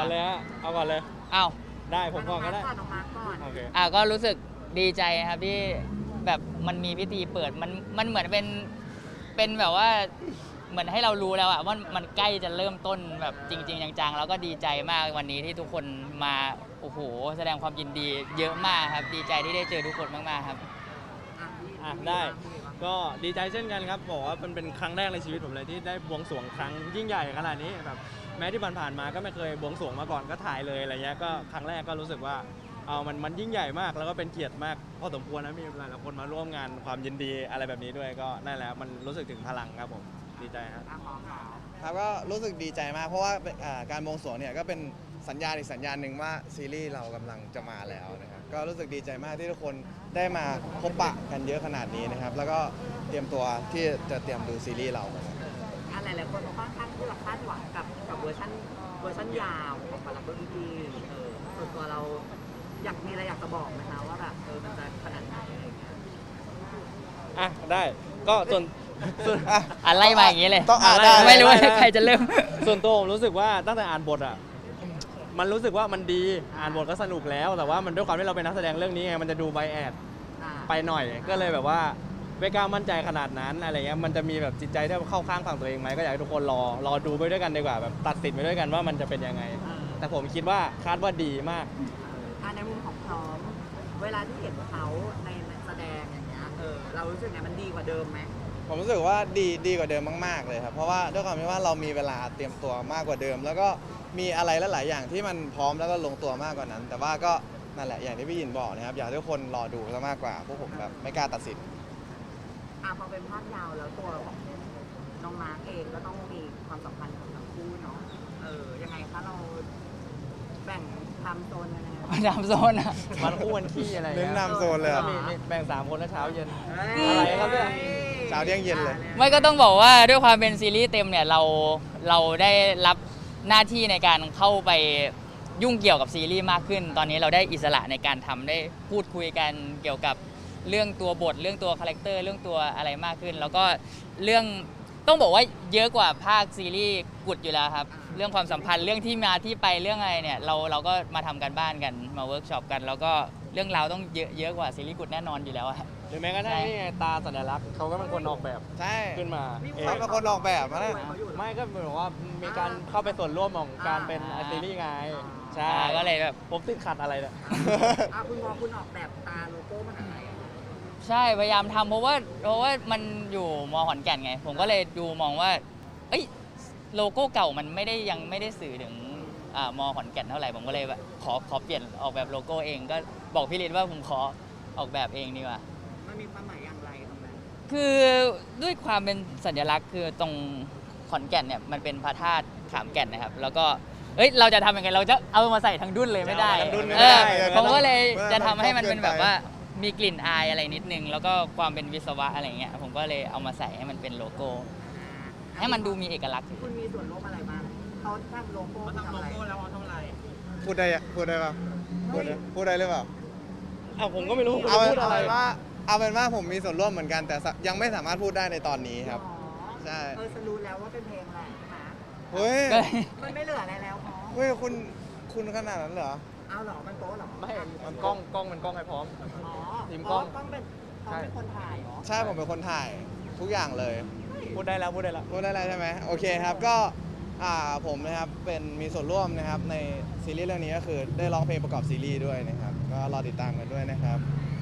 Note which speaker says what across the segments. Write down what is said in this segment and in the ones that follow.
Speaker 1: อนเลยฮะเอาก่อนเลย
Speaker 2: อ้าว
Speaker 1: ได้ผมก่อนก็ได้
Speaker 3: น้องมาร์คก่อน
Speaker 1: โอเค
Speaker 2: ก็รู้สึกดีใจนะครับที่แบบมันมีพิธีเปิดมันเหมือนเป็นแบบว่าเหมือนให้เรารู้แล้วอะว่ามันใกล้จะเริ่มต้นแบบจริงๆจังๆแล้วก็ดีใจมากวันนี้ที่ทุกคนมาโอ้โหแสดงความยินดีเยอะมากครับดีใจที่ได้เจอทุกคนมากๆครับ
Speaker 1: ได้ก็ดีใจเช่นกันครับบอกว่ามันเป็นครั้งแรกในชีวิตผมเลยที่ได้บวงสรวงครั้งยิ่งใหญ่ขนาดนี้แบบแม้ที่ผ่านๆมาก็ไม่เคยบวงสรวงมาก่อนก็ถ่ายเลยอะไรเงี้ยก็ครั้งแรกก็รู้สึกว่ามันยิ่งใหญ่มากแล้วก็เป็นเกียรติมากพอสมควรนะมีหลายๆคนมาร่วมงานความยินดีอะไรแบบนี้ด้วยก็นั่นแหละมันรู้สึกถึงพลังครับผมดีใจครับ
Speaker 4: ครับก็รู้สึกดีใจมากเพราะว่าการบวงสรวงเนี่ยก็เป็นสัญญาณอีกสัญญาณหนึ่งว่าซีรีส์เรากำลังจะมาแล้วนะครับก็รู้สึกดีใจมากที่ทุกคนได้มาพบปะกันเยอะขนาดนี้นะครับแล้วก็เตรียมตัวที่จะเตรียมดูซีรีส์เรา
Speaker 3: หลายๆคนค่อนข้างที่จะคาดหวังกับเวอร์ชันยาวของบาร์เบอร์พีพีส่วนตัวเรามีอะไรอยากจะบอกไหมคะว่าแบบมันจะขนาดไหนอะไรอย่างเงี้ย
Speaker 1: ได้ก็ส่วน
Speaker 2: อะไรมาอย่างนี้เลย
Speaker 4: ต้องอ่านได้
Speaker 2: ไม่รู้ว่าใครจะเริ่ม
Speaker 1: ส่วนตัวผมรู้สึกว่าตั้งแต่อ่านบทมันรู้สึกว่ามันดีอ่านบทก็สนุกแล้วแต่ว่ามันด้วยความที่เราเป็นนักแสดงเรื่องนี้ไงมันจะดูไบแอดไปหน่อยก็เลยแบบว่าไม่กล้ามั่นใจขนาดนั้นอะไรเงี้ยมันจะมีแบบจิตใจที่เข้าข้างฝั่งตัวเองไหมก็อยากให้ทุกคนรอดูไปด้วยกันดีกว่าแบบตัดสินไปด้วยกันว่ามันจะเป็นยังไงแต่ผมคิดว่าคาดว่าดีมาก
Speaker 3: ในมุมของพร้อมเวลาที่เห็นเขาในแสดงอย่างเงี้ยเรารู้สึกไงมันดีกว่าเดิมไหม
Speaker 4: ผมรู้สึกว่าดีกว่าเดิมมากๆเลยครับเพราะว่าด้วยความที่ว่าเรามีเวลาเตรียมตัวมากกว่าเดิม แล้วก็มีอะไรหลายๆอย่างที่มันพร้อมแล้วก็ลงตัวมากกว่านั้น แต่ว่าก็นั่นแหละอย่างที่พี่ยินบอกนะครับอยากให้ทุกคนรอดูซะมากกว่าพวกผมแบบไม่กล้าตัดสิน
Speaker 3: พอเป็นภาพยาวแล้วตัวของน้องมาร์คเองก็ต้องมีความสัมพันธ์ของทั้งคู่เนาะยังไงคะเราแบ่งไทม์โซนยังไง
Speaker 2: ทำโซนอะ
Speaker 1: วันคู่วันขี้อะไร
Speaker 4: เน้นนำโซนเลยเหรอ
Speaker 1: มีแบ่ง3คนแล้วเช้าเย็น อะไรครับเนี่ย
Speaker 4: เช้าเที่ยงเย็นเลย
Speaker 2: ไม่ก็ต้องบอกว่าด้วยความเป็นซีรีส์เต็มเนี่ยเราได้รับหน้าที่ในการเข้าไปยุ่งเกี่ยวกับซีรีส์มากขึ้น ตอนนี้เราได้อิสระในการทำได้พูดคุยกันเกี่ยวกับเรื่องตัวบทเรื่องตัวคาแรคเตอร์เรื่องตัวอะไรมากขึ้น แล้วก็เรื่องต้องบอกว่าเยอะกว่าภาคซีรีส์กุดอยู่แล้วครับเรื่องความสัมพันธ์เรื่องที่มาที่ไปเรื่องอะไรเนี่ยเราก็มาทำกันบ้านกันมาเวิร์กช็อปกัน แล้วก็เรื่องราวต้องเยอะกว่าซีรีส์กุดแน่นอนอยู่แล้วอะ
Speaker 1: หรือแม้กระทั่งนี่ไงตาสัญลักษณ์เขาก็เป็นคนออกแบบ
Speaker 4: ใช่
Speaker 1: ขึ้นมาเอง
Speaker 4: เขาเป็นคนออกแบบนะ
Speaker 1: ไม่ก็เหมือนว่ามีการเข้าไปส่วนร่วมของการเป็นซีรีส์ไงใช่
Speaker 2: ก็เลยแบบ
Speaker 1: ผมติดขัดอะไรเนี่ย
Speaker 3: คุณออกแบบตาโลโก้มันอะไร
Speaker 2: ใช่พยายามทำเพราะว่ามันอยู่มขอนแก่นไง ผมก็เลยดูมองว่าเอ้ยโลโก้เก่ามันยังไม่ได้สื่อถึงมขอนแก่นเท่าไหร่ผมก็เลยแบบขอเปลี่ยนออกแบบโลโก้เองก็บอกพี่ฤทธิ์ว่าผมขอออกแบบเองดีกว่า
Speaker 3: มันมีความหมายอย่างไรตรงนั้น
Speaker 2: คือด้วยความเป็นสัญลักษณ์คือตรงขอนแก่นเนี่ยมันเป็นพระธาตุขามแก่นนะครับแล้วก็เราจะทำยังไงเราจะเอามาใส่ทั้งดุ้นเลยไม่ได้
Speaker 1: เอามาทั้งดุ้นไม่ได้
Speaker 2: ผมก็เลยจะทำให้มันเป็นแบบว่ามีกลิ่นอายอะไรนิดนึงแล้วก็ความเป็นวิศวะอะไรเงี้ยผมก็เลยเอามาใส่ให้มันเป็นโลโก้ให้มันดูมีเอกลักษณ์
Speaker 3: คุณมีส่วนร่วมอะไรบ้างเขาทำโลโก้ทำโลโก้แล้วเขาทำอะไร
Speaker 4: พูดได้เปล่าพูดได้หรือเปล่า
Speaker 1: ผมก็ไม่รู้คุณ
Speaker 4: เอา
Speaker 1: พูดอะไร
Speaker 4: เป็นว่าผมมีส่วนร่วมเหมือนกันแต่ยังไม่สามารถพูดได้ในตอนนี้ครับใช่
Speaker 3: ฉันรู้แล้วว่าเป็นเพลงอะไรนะ
Speaker 4: เฮ้ย
Speaker 2: ก็เลย
Speaker 3: มันไม่เหลืออะไรแล้วพอ
Speaker 4: เฮ้ยคุณขนาดนั้นเหรอ
Speaker 3: เอาหรอมันโป๊หรอ
Speaker 1: ไม่มันกล้องมันกล้องให้พร้อม ทีมกล้อง
Speaker 3: ต้องเป็นคนถ่ายเหรอ
Speaker 4: ใช่ผมเป็นคนถ่ายทุกอย่างเลย
Speaker 1: พูดได้แล้ว
Speaker 4: พูดได้แล้วใช่ไหมโอเคครับก็ผมนะครับมีส่วนร่วมนะครับในซีรีส์เรื่องนี้ก็คือได้ร้องเพลงประกอบซีรีส์ด้วยนะครับก็รอติดตามกันด้วยนะครับ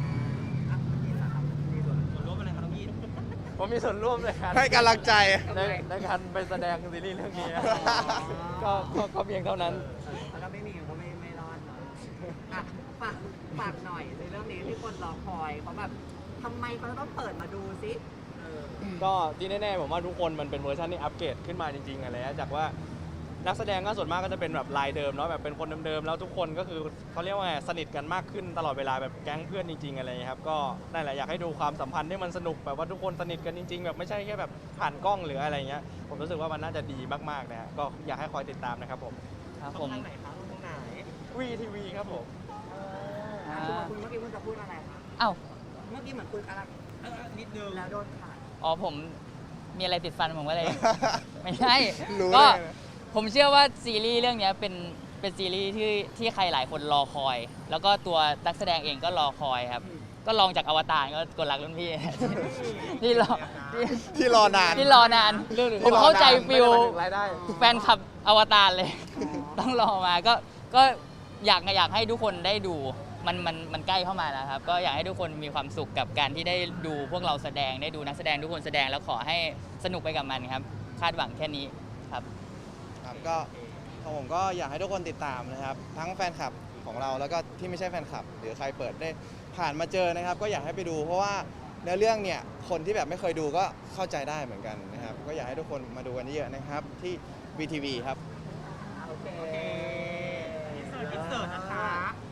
Speaker 1: ผมมีส่วนร่วมในการ
Speaker 4: ให้กำลังใจ
Speaker 1: ในการไปแสดงซีรีส์เรื่องนี้ก็เพียงเท่านั้น
Speaker 3: แล้วก็ไม่มีก็ไม่รอดเนาะฝากหน่อยในเรื่องนี้ที่คนรอคอยเขาแบบทำไมเขาต้องเปิดมาดูซิ
Speaker 1: ก็ที่แน่ๆผมว่าทุกคนมันเป็นเวอร์ชันที่อัปเกรดขึ้นมาจริงๆอะไรจากว่านักแสดงก็ส่วนมากก็จะเป็นแบบลายเดิมเนาะแบบเป็นคนเดิมๆแล้วทุกคนก็คือเขาเรียกว่าสนิทกันมากขึ้นตลอดเวลาแบบแก๊งเพื่อนจริงๆอะไรครับก็นั่นแหละอยากให้ดูความสัมพันธ์ที่มันสนุกแบบว่าทุกคนสนิทกันจริงๆแบบไม่ใช่แค่แบบผ่านกล้องหรืออะไรเงี้ยผมรู้สึกว่ามันน่าจะดีมากๆนะฮะก็อยากให้คอยติดตามนะครับผม
Speaker 2: ครับผม
Speaker 3: ทางไหนคะทางไหน
Speaker 1: VTV ครับผม
Speaker 3: คุณเมื่อกี้คุณจะพูดอะไรคะ
Speaker 2: อ้าว
Speaker 3: เมื่อกี้เหมือนคุณอะไรนิดนึงแล้วโดนขาด
Speaker 2: อ๋อผมมีอะไรติดฟันผมก็เลย ไม่ใช่
Speaker 4: รู้
Speaker 2: ก็
Speaker 4: ได้ไง
Speaker 2: ผมเชื่อว่าซีรีส์เรื่องนี้เป็นเป็นซีรีส์ที่ใครหลายคนรอคอย แล้วก็ตัวนักแสดงเองก็รอคอยครับ ก็ลองจากอวตารก็กดรักรุ่นพี่ ที่รอที่
Speaker 4: ที่รอนาน
Speaker 2: ที่รอนาน ผมเข้าใจฟิล
Speaker 1: รายได้
Speaker 2: แฟนคลับอวตารเลย ต้องรอมาก็อยากให้ทุกคนได้ดูมันใกล้เข้ามาแล้วครับ ก็อยากให้ทุกคนมีความสุขกับการที่ได้ดูพวกเราแสดงได้ดูนักแสดงทุกคนแสดงแล้วขอให้สนุกไปกับมันครับ คาดหวังแค่นี้ครับ
Speaker 4: ครับก็ของผมก็อยากให้ทุกคนติดตามนะครับ ทั้งแฟนคลับของเราแล้วก็ที่ไม่ใช่แฟนคลับ หรือใครเปิดได้ผ่านมาเจอนะครับ ก็อยากให้ไปดู เพราะว่าเนื้อเรื่องเนี่ยคนที่แบบไม่เคยดูก็เข้าใจได้เหมือนกันนะครับ ก็อยากให้ทุกคนมาดูกันเยอะๆนะครับที่ VTV ครับ
Speaker 3: โอเค
Speaker 5: อินเสิร์ตนะคะ